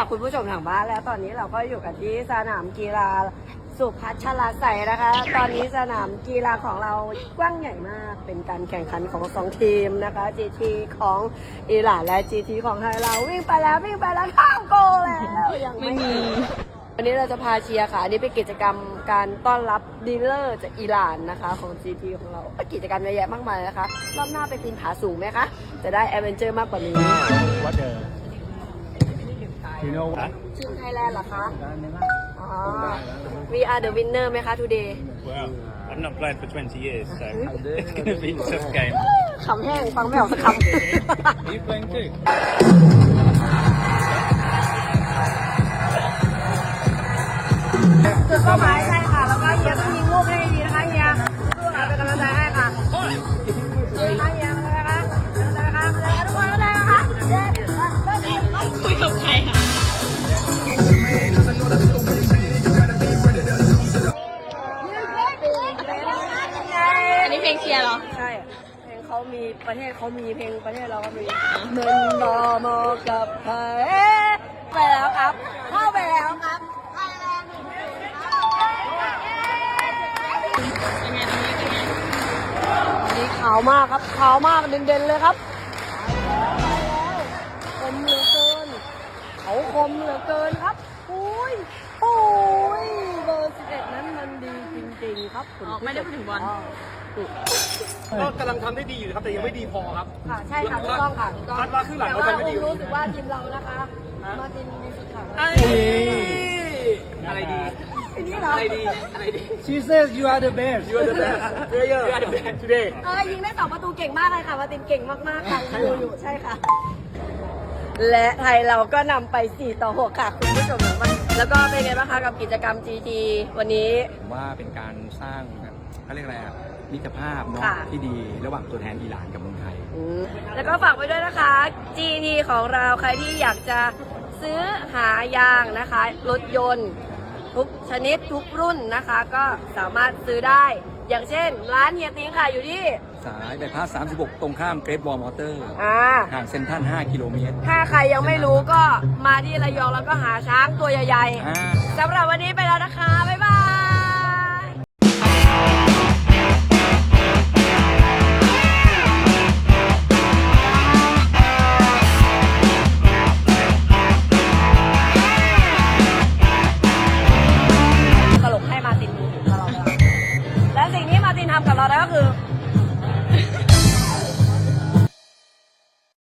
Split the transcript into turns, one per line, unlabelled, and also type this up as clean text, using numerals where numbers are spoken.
กับคุณผู้ชมทางบ้านแล้วตอนนี้เราก็อยู่กันที่สนามกีฬาสุพัชราไสยนะคะตอนนี้สนามกีฬาของเรากว้างใหญ่มากเป็นการแข่งขันของ2ทีมนะคะ GT ของอิหร่านและ GT ของไทยเราวิ่งไปแล้วข้ามโกลแล้วยังไม่มีวันนี้เราจะพาเชียร์ค่ะอันนี้เป็นกิจกรรมการต้อนรับดีลเลอร์จากอิหร่านนะคะของ GT ของเรากิจกรรมเยอะแยะมากมายนะคะรอบหน้าไปปีนผาสูงไหมคะจะได้แอดเวนเจอร์มากกว่านี้
What the you know what
ทีมไทยแลนด์เหรอคะอ๋อ We are the winner ไหมคะ today
Well, I've not played for 20 years, so it's going to be a tough game.
คำแห้งฟังไม่ออกสักคำ
Are you playing too?
จุดเป้าหมายใช่ค่ะ แล้วก็เฮียต้องยิงลูกให้ดีนะคะเฮียสู้ค่ะเป็นกำลังใจให้ค่ะเฮียเฮียนะคะกำลังใจค่ะทุกคนกำลังใจค่ะคุยกับใครค่ะ
อันนี้เพลงเชียร์เหรอ
ใช่เพลงเขามีประเทศเขามีเพลงประเทศเราก็มีเมืองรอมอกับไทยไปแล้วครับเข้าไปแล้วครับ นี่ขาวมากครับขาวมากเด่นๆเลยครับคมเหลือเกินเขาคมเหลือเกินครับโอ้ยเบอร์11นั้นมันดีจริงๆครับคุณ
ไม่ได้พูดถึงบอล
ก็กำลังทำได้ดีอยู่ครับแต่ยังไม่ดีพอครับ
ค่ะใช่ค่ะถูกต้องค่ะถูกต้อง
คาดว่าครึ่งหลัง
แต่
เรา
ว่า
ทำไม่ดี
ผมรู้สึกว่าทีมเรานะคะมาทีมดีสุดค่ะ
อะไรดี
ทีนี้เหรอ
อะไรดี She says you are the best you are the best player you are the best today
ยิงได้2 ประตูเก่งมากเลยค่ะมาตินเก่งมากๆค่ะดูอยู่ใช่ค่ะ และไทยเราก็นำไป4-6ค่ะคุณผู้ชมแล้วก็เป็นไงบ้างคะกับกิจกรรม GT วันนี้
ผมว่าเป็นการสร้างแบบเขาเรียกอะไรอะมิตรภาพเนาะ
ค่ะ
ที่ดีระหว่างตัวแทนอิหร่านกับเมืองไทย
แล้วก็ฝากไว้ด้วยนะคะ GT ของเราใครที่อยากจะซื้อหายางนะคะรถยนต์ทุกชนิดทุกรุ่นนะคะ ก็สามารถซื้อได้ อย่างเช่น ร้านเฮียติ้งค่ะอยู่ที่
สายใบพัด36 ตรงข้ามเกรทวอลมอเตอร์ ห่างเซ็นทรัล5 กิโลเมตร
ถ้าใครยังไม่รู้ก็มาที่ระยองแล้วก็หาช้างตัวใหญ่
อ่า
ๆสำหรับวันนี้ไปแล้วนะคะ บ๊ายบาย ตลกให้มาร์ตินดูตลอดเวลาและสิ่งที่มาร์ตินทำกับเราได้ก็คือ